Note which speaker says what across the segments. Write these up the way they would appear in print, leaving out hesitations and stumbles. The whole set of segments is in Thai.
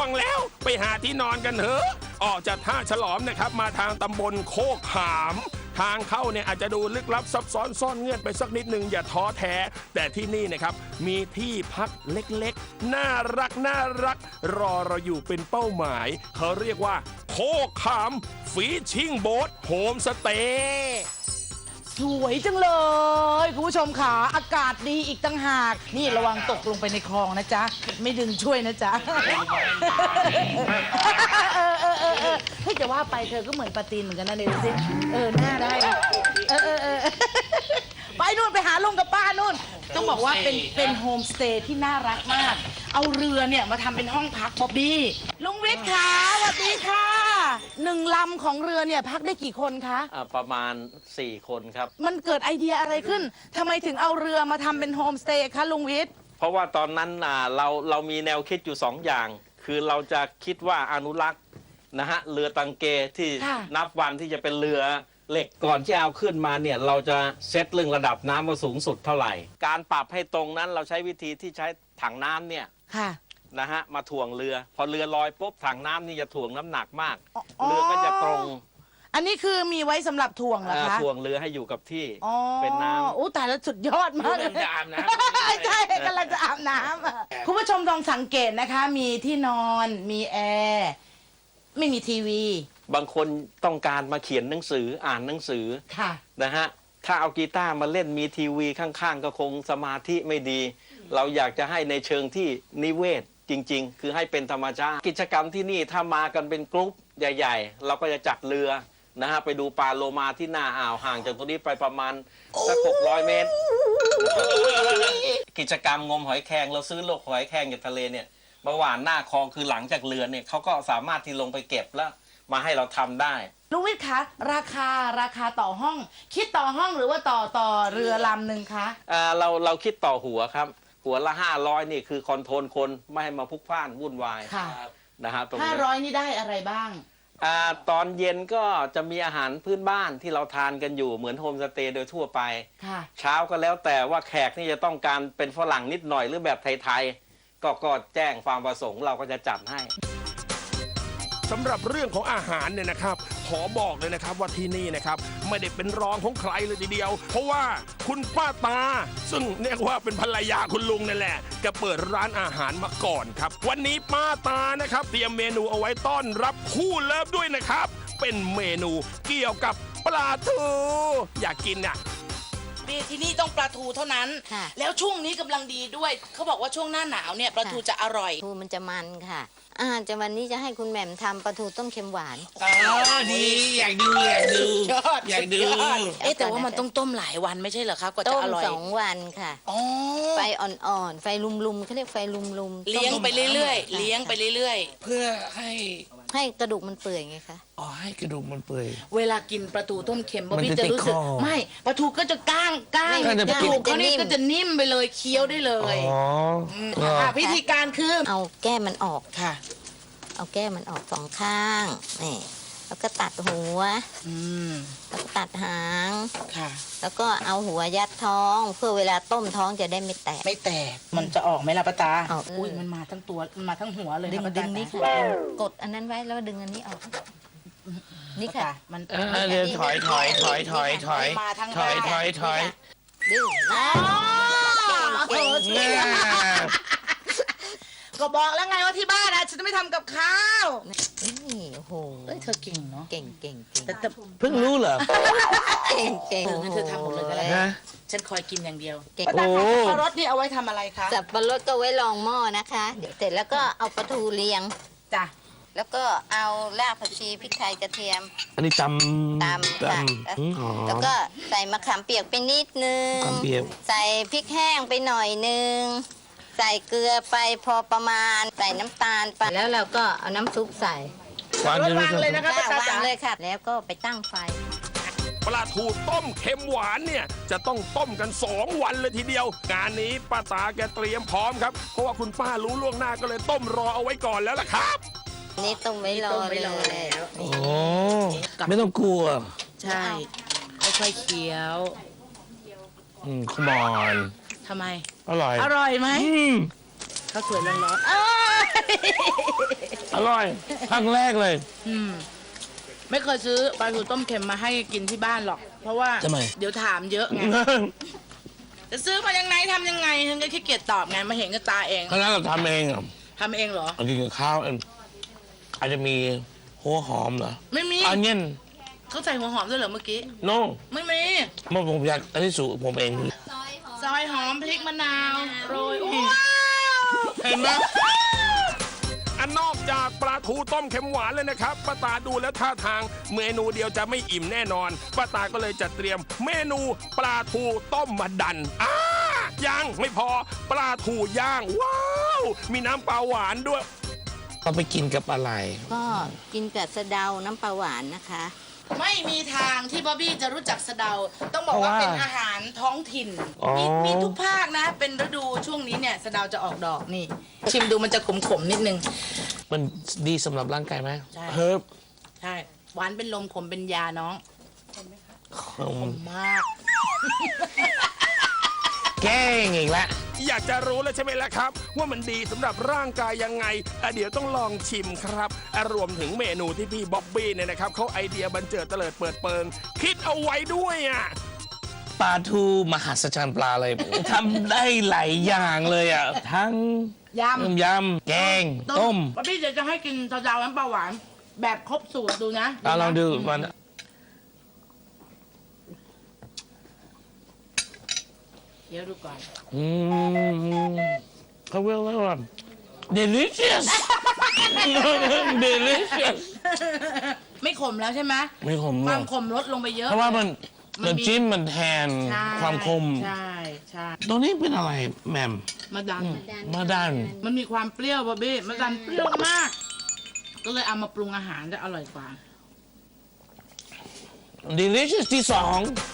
Speaker 1: วงแล้วไปหาที่นอนกันเถอะออกจากท่าฉลอมนะครับมาทางตำบลโคกขามทางเข้าเนี่ยอาจจะดูลึกลับซับซ้อนซ่อนเงื่อนไปสักนิดนึงอย่าท้อแท้แต่ที่นี่นะครับมีที่พักเล็กๆน่ารักรอเราอยู่เป็นเป้าหมายเขาเรียกว่าโคกขามฟีชิ่งโบ๊ทโฮมสเตย์
Speaker 2: สวยจังเลยคุณผู้ชมค่ะอากาศดีอีกตั้งหากนี่ระวังตกลงไปในคลองนะจ๊ะไม่ดึงช่วยนะจ๊ะเฮ้ยจะว่าไปเธอก็เหมือนปาตีนเหมือนกันนะเดี๋ยวสิหน้าได้ไปนู่นไปหาลุงกับป้านู่นต้องบอกว่าเป็นโฮมสเตย์ที่น่ารักมากเอาเรือเนี่ยมาทำเป็นห้องพักบ๊อบบี้ลุงวิทย์ค่ะสวัสดีค่ะ1 ลำของเรือเนี่ยพักได้กี่คนคะ
Speaker 3: ประมาณ4 คนครับ
Speaker 2: มันเกิดไอเดียอะไรขึ้นทำไมถึงเอาเรือมาทำเป็นโฮมสเตย์คะลุงวิทย์
Speaker 3: เพราะว่าตอนนั้นเรามีแนวคิดอยู่2 อย่างคือเราจะคิดว่าอนุรักษ์นะฮะเรือตังเกที่นับวันที่จะเป็นเรือเหล็กก่อนที่เอาขึ้นมาเนี่ยเราจะเซตเรื่องระดับน้ำว่าสูงสุดเท่าไหร่การปรับให้ตรงนั้นเราใช้วิธีที่ใช้ถังน้ำเนี่ยนะฮะมาถ่วงเรือพอเรือลอยปุ๊บถังน้ำนี่จะถ่วงน้ำหนักมากเรือก็จะตรง
Speaker 2: อันนี้คือมีไว้สำหรับถ่วงเหรอคะ
Speaker 3: ถ่วงเรือให้อยู่กับที่เป็นน้ำ
Speaker 2: โอ้แต่ละสุดยอดมากเลย
Speaker 4: จะอาบน้
Speaker 2: ำใช่กำลังจะอาบน้ำคุณผู้ชมลองสังเกตนะคะมีที่นอนมีแอร์ไม่มีทีวี
Speaker 3: บางคนต้องการมาเขียนหนังสืออ่านหนังสือนะฮะถ้าเอากีตาร์มาเล่นมีทีวีข้างๆก็คงสมาธิไม่ดีเราอยากจะให้ในเชิงที่นิเวศจริงๆคือให้เป็นธรรมชาติกิจกรรมที่นี่ถ้ามากันเป็นกรุ๊ปใหญ่ๆเราก็จะจัดเรือนะฮะไปดูปลาโลมาที่หน้าอ่าวห่างจากตรงนี้ไปประมาณสัก600 เมตรกิจกรรมงมหอยแครงเราซื้อโลกหอยแครงจากทะเลเนี่ยมาหว่านหน้าคลองคือหลังจากเรือเนี่ยเขาก็สามารถที่ลงไปเก็บแล้วมาให้เราทำได้
Speaker 2: ลุงวิทย์คะราคาต่อห้องคิดต่อห้องหรือว่าต่อเรือลำหนึ่งคะ
Speaker 3: เราคิดต่อหัวครับหัวละ500นี่คือคอนโทรลคนไม่ให้มาพลุกพล่านวุ่นวายนะฮะ
Speaker 2: 500นี่ได้อะไรบ้าง
Speaker 3: ตอนเย็นก็จะมีอาหารพื้นบ้านที่เราทานกันอยู่เหมือนโฮมสเตย์โดยทั่วไปเช้าก็แล้วแต่ว่าแขกนี่จะต้องการเป็นฝรั่งนิดหน่อยหรือแบบไทยๆก็แจ้งความประสงค์เราก็จะจัดให้
Speaker 1: สำหรับเรื่องของอาหารเนี่ยนะครับขอบอกเลยนะครับว่าที่นี่นะครับไม่ได้เป็นรองของใครเลยทีเดียวเพราะว่าคุณป้าตาซึ่งเรียกว่าเป็นภรรยาคุณลุงนั่นแหละแกเปิดร้านอาหารมาก่อนครับวันนี้ป้าตานะครับเตรียมเมนูเอาไว้ต้อนรับคู่เลิฟด้วยนะครับเป็นเมนูเกี่ยวกับปลาทูอยากกินน่ะ
Speaker 2: ที่นี่ต้องปลาทูเท่านั้นแล้วช่วงนี้กำลังดีด้วยเขาบอกว่าช่วงหน้าหนาวเนี่ยปลาทูจะอร่อย
Speaker 5: ทูมันจะมันค่ะจะวันนี้จะให้คุณแหม่มทำปลาทูต้มเค็มหวาน
Speaker 4: ดีอยากดูอย
Speaker 2: แต่ว่ามันต้องต้มหลายวันไม่ใช่เหรอครับกว่าจะอร่อย
Speaker 5: ต้ม2 วันค่ะไฟอ่อนๆไฟลุมๆเขาเรียกไฟลุม
Speaker 2: ๆเลี้ยงไปเรื่อยๆเลี้ยงไปเรื่อย
Speaker 4: ๆเพื่อให้
Speaker 5: กระดูกมันเปื่อยไงคะ
Speaker 4: ให้กระดูกมันเปื่อย
Speaker 2: เวลากินปลาทูต้มเค็มบ๊อบบี้จะรู้สึกไม่ปลาทูก็จะก้างกระดูกเขานี่ก็จะนิ่มไปเลยเคี้ยวได้เลยวิธีการคือ
Speaker 5: เอาแก้มันออก
Speaker 2: ค่ะ
Speaker 5: เอาแก้มันออก2 ข้างนี่แล้วก็ตัดหัวแล้วก็ตัดหาง
Speaker 2: ค่ะ
Speaker 5: แล้วก็เอาหัวยัดท้องเพื่อเวลาต้มท้องจะได้ไม่แตก
Speaker 2: มันจะออกไหมล่ะป้าตาอุ้ยมันมาทั้งตัวมันมาทั้งหัวเลย
Speaker 5: ดึงนี่ค่ะกดอันนั้นไว้แล้วดึงอันนี้ออกนี่ค่ะ
Speaker 4: มันถอย
Speaker 5: ดึง
Speaker 2: ก็บอกแล้วไงว่าที่บ้านนะฉันจะไม่ทำกับข้าว
Speaker 5: นี่โอ้โห
Speaker 2: เธอเก่งเนาะ
Speaker 5: เก่ง
Speaker 2: แต่
Speaker 4: เพิ่งรู้เหรอ
Speaker 5: เก่ง
Speaker 2: งั้นเธอทำหมดเลยก็ได้ฉันคอยกินอย่างเดียว
Speaker 5: โอ้
Speaker 2: สับปะรดนี่เอาไว้ทำอะไรคะ
Speaker 5: สับปะรดก็ไว้รองหม้อนะคะเดี๋ยวเสร็จแล้วก็เอาปลาทูเรียง
Speaker 2: จ้ะ
Speaker 5: แล้วก็เอารากผักชีพริกไทยกระเทียม
Speaker 4: อันนี้ต
Speaker 5: ำค่ะแล้วก็ใส่มะขามเปียกไปนิดนึงใส่พริกแห้งไปหน่อยนึงใส่เกลือไปพอประมาณใส่น้ำตาลไปแล้วเราก็เอาน้ำซุปใส่
Speaker 2: วางเลยนะคะ
Speaker 5: วางเลยค่ะแล้วก็ไปตั้งไฟ
Speaker 1: ปลาทูต้มเค็มหวานเนี่ยจะต้องต้มกัน2 วันเลยทีเดียวงานนี้ป้าตาแกเตรียมพร้อมครับเพราะว่าคุณป้ารู้ล่วงหน้าก็เลยต้มรอเอาไว้ก่อนแล้วล่ะครับ
Speaker 5: นี่ต้มไว้รอเลย
Speaker 4: โอ้ไม่ต้องกลัว
Speaker 2: ใช่ค่อยๆเคี้ยว
Speaker 4: ขมอน
Speaker 2: ทำไม
Speaker 4: อร่อย
Speaker 2: ไหมข้าวสวยร้อนๆ
Speaker 4: อร่อยครั้งแรกเลย
Speaker 2: ไม่เคยซื้อปลาทูต้มเค็มมาให้กินที่บ้านหรอก เพราะว่า
Speaker 4: ทำไม
Speaker 2: เดี๋ยวถามเยอะไง จะซื้อมายังไงทำยังไงฉันก็ขี้เกียจตอบไงมาเห็นกับตาเอง
Speaker 4: คณะเราทำเองอ่ะ
Speaker 2: ทำเองเหรอ
Speaker 4: เอากินกับข้าวเองอาจจะมีหัวหอมเหรอ
Speaker 2: ไม่มี
Speaker 4: อันเนี้ย
Speaker 2: เขาใส่หัวหอมด้วยเหรอเมื่อกี้
Speaker 4: โน่
Speaker 2: ไม่มี
Speaker 4: ผมอยากอันนี้สูตรผมเอง
Speaker 2: ซอยหอมพริกมะนาวโรยว้าว
Speaker 4: เห็นไหม
Speaker 1: อันนอกจากปลาทูต้มเค็มหวานเลยนะครับป้าตาดูแล้วท่าทางเมนูเดียวจะไม่อิ่มแน่นอนป้าตาก็เลยจัดเตรียมเมนูปลาทูต้มมะดันยังไม่พอปลาทูย่างว้าวมีน้ำปลาหวานด้วย
Speaker 4: เราไปกินกับอะไร
Speaker 5: ก็กินกับสะเดาน้ำปลาหวานนะคะ
Speaker 2: ไม่มีทางที่บ๊อบบี้จะรู้จักสะเดา ต้องบอกว่า
Speaker 4: เพราะว่า
Speaker 2: เป็นอาหารท้องถิ่น
Speaker 4: อ๋อ
Speaker 2: มีทุกภาคนะ เป็นฤดูช่วงนี้เนี่ยสะเดาจะออกดอกนี่ ชิมดูมันจะขมๆนิดนึง
Speaker 4: มันดีสำหรับร่างกายไหม
Speaker 2: ใช่
Speaker 4: เฮิร์บ
Speaker 2: ใช่ หวานเป็นลมขมเป็นยาน้องมาก
Speaker 4: แกล้งอีกแล้ว
Speaker 1: อยากจะรู้แล้วใช่ไหมล่ะครับ ว่ามันดีสำหรับร่างกายยังไงเดี๋ยวต้องลองชิมครับรวมถึงเมนูที่พี่บ๊อบบี้เนี่ยนะครับเขาไอเดียบันเจิดเตลิดเปิดเปิง คิดเอาไว้ด้วยอ่ะ
Speaker 4: ปลาทูมหัศจรรย์ปลาเลย ทำได้หลายอย่างเลยอ่ะ ทั้ง
Speaker 2: ยำ
Speaker 4: ยำแกง ต้ม
Speaker 2: บ๊อบบี้เดี๋ยวจะให้กินสะเดาน้ำปลาหวาน แบบครบสูตรดูนะ
Speaker 4: ลองดูมัน
Speaker 2: เดี๋ยวดูก่อน
Speaker 4: เขาเรียกว่า delicious delicious
Speaker 2: ไม่ขมแล้วใช่ไหม
Speaker 4: ไม่ขม
Speaker 2: ค
Speaker 4: เล
Speaker 2: วาย มขมลดลงไปเยอะ
Speaker 4: เพราะว่ามัน
Speaker 2: มันมี
Speaker 4: น้ำจิ้มมันแทน
Speaker 2: ใช่
Speaker 4: ความคม
Speaker 2: ใช่ใช่
Speaker 4: ตรงนี้เป็นอะไรแหมม
Speaker 2: มาดัน
Speaker 4: มาดัน
Speaker 2: มันมีความเปรี้ยวบ๊อบบี้มาดันเปรี้ยวมาก ก็เลยเอามาปรุงอาหารจะอร่อยกว่า
Speaker 4: delicious ที่สอง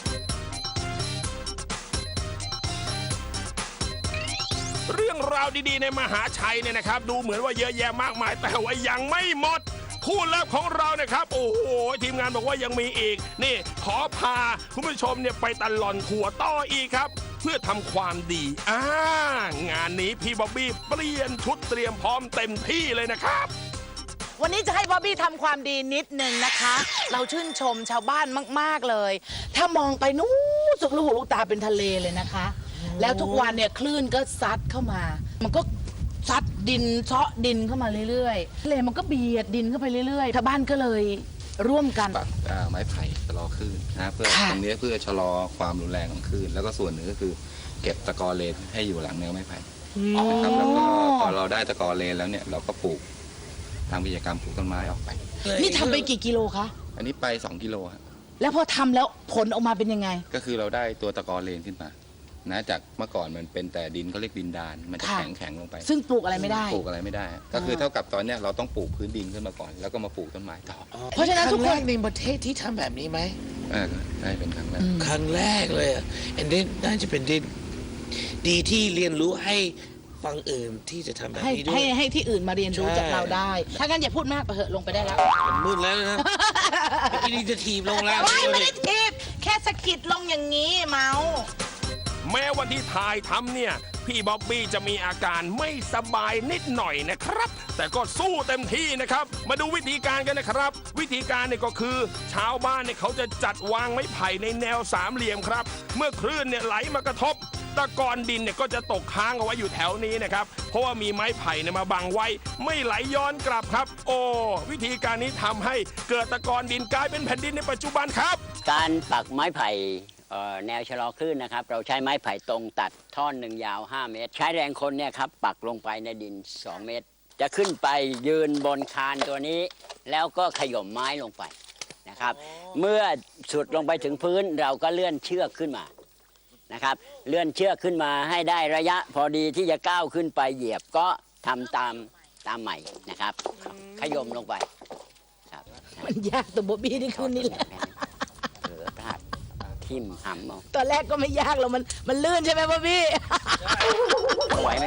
Speaker 1: เรื่องราวดีๆในมหาชัยเนี่ยนะครับ ดูเหมือนว่าเยอะแยะมากมาย แต่ว่ายังไม่หมดคู่เลิฟของเรานะครับ โอ้โหทีมงานบอกว่ายังมีอีกนี่ขอพาคุณผู้ชมเนี่ยไปตลอนทัวร์ต่ออีกครับ เพื่อทำความดีงานนี้พี่บ๊อบบี้เปลี่ยนชุดเตรียมพร้อมเต็มที่เลยนะครับ
Speaker 2: วันนี้จะให้บ๊อบบี้ทำความดีนิดนึงนะคะ เราชื่นชมชาวบ้านมาก ๆ เลย ถ้ามองไปนู้นสุดลูกหูลูกตาเป็นทะเลเลยนะคะ แล้วทุกวันเนี่ยคลื่นก็ซัดเข้ามา มันก็ซัดดินเซาะดินเข้ามาเรื่อยๆทะเลมันก็เบียดดินเข้าไปเรื่อยๆชาวบ้านก็เลยร่วมกัน
Speaker 6: ปักไม้ไผ่ชะลอคลื่นนะเพื่อ
Speaker 2: ค่ะ
Speaker 6: ตรงนี้เพื่อชะลอความรุนแรงของคลื่นแล้วก็ส่วนหนึ่งก็คือเก็บตะกอเลนให้อยู่หลังแนวไม้ไผ่นะครับแล้วก็พอเราได้ตะกอเลนแล้วเนี่ยเราก็ปลูกทางวิทยากรรมปลูกต้นไม้ออกไป
Speaker 2: นี่ทำไปกี่กิโลคะ
Speaker 6: อันนี้ไป2 กิโลครับ
Speaker 2: แล้วพอทำแล้วผลออกมาเป็นยังไง
Speaker 6: ก็คือเราได้ตัวตะกอเลนขึ้นมานะจากเมื่อก่อนมันเป็นแต่ดินเขาเรียกดินดานมันจะ
Speaker 2: ค่ะ
Speaker 6: แข็งลงไป
Speaker 2: ซึ่งปลูกอะไรไม่ได้
Speaker 6: ปลูกอะไรไม่ได้ ก็คือเท่ากับตอนเนี้ยเราต้องปลูกพื้นดินขึ้นมาก่อน แล้วก็มาปลูกต้นไม้ต่อ
Speaker 2: เพราะฉะนั้นทุกคน
Speaker 4: รั้งแรในประเทศที่ทำแบบนี้ไหม
Speaker 6: ได้เป็นครั้งแรก
Speaker 4: ครั้งแรกเลยอ่ะอันนี้น่าจะเป็นดีที่เรียนรู้ให้ฟังอื่นที่จะทำแบบ
Speaker 2: ให้
Speaker 4: นี้ด้ว
Speaker 2: ให้
Speaker 4: ย
Speaker 2: ให้ที่อื่นมาเรียนรู้
Speaker 4: ใช่
Speaker 2: จากเราได้ ถ้างั้นอย่าพูดมากไปเถอะลงไปได้แล้ว
Speaker 4: มันมืดแล้วนะเมื่อกี้นี่จะทีบลงแล้ว
Speaker 2: ไม่ได้ทิปแค่สะกิดลงอย่างนี้เมาส์
Speaker 1: แม้วันที่ถ่ายทำเนี่ยพี่บ๊อบบี้จะมีอาการไม่สบายนิดหน่อยนะครับ แต่ก็สู้เต็มที่นะครับ มาดูวิธีการกันนะครับ วิธีการเนี่ยก็คือชาวบ้านเนี่ยเขาจะจัดวางไม้ไผ่ในแนวสามเหลี่ยมครับ เมื่อคลื่นเนี่ยไหลมากระทบ ตะกอนดินเนี่ยก็จะตกค้างเอาไว้อยู่แถวนี้นะครับ เพราะว่ามีไม้ไผ่เนี่ยมาบังไว้ ไม่ไหลย้อนกลับครับ โอ้วิธีการนี้ทำให้เกิดตะกอนดินกลายเป็นแผ่นดินในปัจจุบันครับ
Speaker 7: การปักไม้ไผ่แนวชะลอคลื่นนะครับ เราใช้ไม้ไผ่ตรงตัดท่อนหนึ่งยาว 5 เมตร ใช้แรงคนเนี่ยครับปักลงไปในดิน 2 เมตร จะขึ้นไปยืนบนคานตัวนี้ แล้วก็ขย่มไม้ลงไปนะครับ เมื่อสุดลงไปถึงพื้นเราก็เลื่อนเชือกขึ้นมานะครับ เลื่อนเชือกขึ้นมาให้ได้ระยะพอดีที่จะก้าวขึ้นไปเหยียบก็ทำตามใหม่นะครับ ขย่มลงไปครับ
Speaker 2: มันยากตัวบ๊อบบี้นี่คืนนี้แหละ
Speaker 7: เผลอพลาดทิ่มหำเอา
Speaker 2: ตอนแรกก็ไม่ยากหรอกมันลื่นใช่ไหมบ๊อบบี้
Speaker 7: ไหวไหม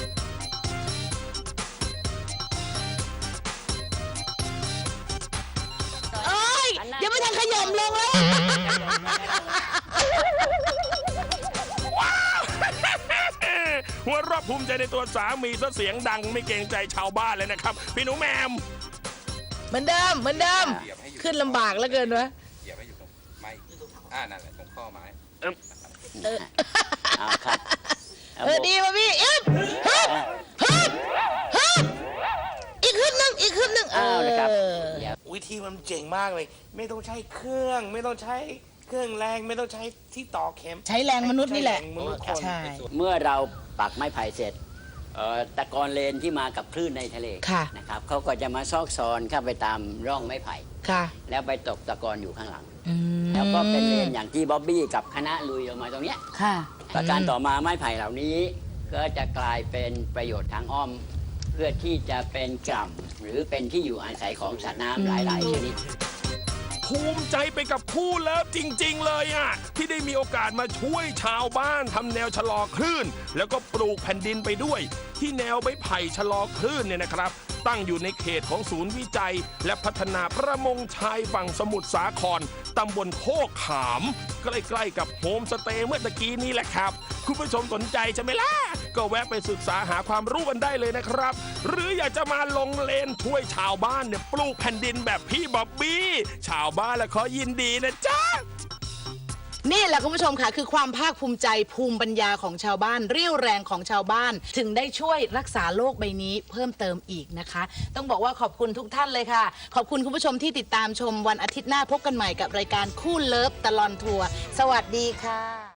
Speaker 2: เอ้ยเดี๋ยวไม่ทันขยมลงแล้ว
Speaker 1: วหัวเราะภูมิใจในตัวสามีซะเสียงดังไม่เกรงใจชาวบ้านเลยนะครับ พี่หนูแหมม
Speaker 2: เหมือนเดิมเหมือนเดิม ขึ้นลำบากเหลือเกินวะ
Speaker 6: เหยียบให้อยู่ตรงไม้นั่นแหละตรงข้อไม้
Speaker 7: เอาครับ
Speaker 2: ดีป่ะพี่อึ๊บฮึบฮึบฮึบอีกขึ้นหนึ่งอีกขึ้นหนึ่ง
Speaker 7: เอาเลยครับเดี๋ยว
Speaker 4: วิธีมันเจ๋งมากเลย ไม่ต้องใช้เครื่อง ไม่ต้องใช้เครื่องแรง ไม่ต้องใช้ที่ต่อเข็ม
Speaker 2: ใช้แรงมนุษย์นี่แหละ
Speaker 4: ใช้รงมนุษย์คน
Speaker 2: ใช่
Speaker 7: เมื่อเราปักไม้ไผ่เสร็จตะกอนเลนที่มากับคลื่นในทะเล
Speaker 2: ค่ะ
Speaker 7: นะครับเขาก็จะมาซอกซอนเข้าไปตามร่องไม้ไผ่
Speaker 2: ค่ะ
Speaker 7: แล้วไปตกตะกอนอยู่ข้างหลัง
Speaker 2: อืม
Speaker 7: แล้วก็เป็นเลนอย่างที่บ๊อบบี้กับคณะลุยลงมาตรงเนี้ย
Speaker 2: ค่ะ
Speaker 7: ประการต่อมาไม้ไผ่เหล่านี้ ก็จะกลายเป็นประโยชน์ทางอ้อม เพื่อที่จะเป็นกล่ำหรือเป็นที่อยู่อาศัยของสัตว์น้ำหลาย ๆ ชนิด
Speaker 1: ภูมิใจไปกับคู่เลิฟจริง ๆ เลยอ่ะที่ได้มีโอกาสมาช่วยชาวบ้านทำแนวชะลอคลื่น แล้วก็ปลูกแผ่นดินไปด้วย ที่แนวไม้ไผ่ชะลอคลื่นเนี่ยนะครับ ตั้งอยู่ในเขตของศูนย์วิจัย และพัฒนาประมงชายฝั่งสมุทรสาครตำบลโคกขามใกล้ๆกับโฮมสเตย์เมื่อตะกี้นี้แหละครับ คุณผู้ชมสนใจใช่ไหมล่ะ ก็แวะไปศึกษาหาความรู้กันได้เลยนะครับ หรืออยากจะมาลงเลนช่วยชาวบ้านเนี่ยปลูกแผ่นดินแบบพี่บ๊อบบี้ชาวบ้านละขอยินดีนะจ๊ะ
Speaker 2: นี่แหละคุณผู้ชมค่ะคือความภาคภูมิใจภูมิปัญญาของชาวบ้านเรี่ยวแรงของชาวบ้าน ถึงได้ช่วยรักษาโลกใบนี้เพิ่มเติมอีกนะคะ ต้องบอกว่าขอบคุณทุกท่านเลยค่ะ ขอบคุณคุณผู้ชมที่ติดตามชมวันอาทิตย์หน้าพบกันใหม่กับรายการคู่เลิฟตลอดทัวร์สวัสดีค่ะ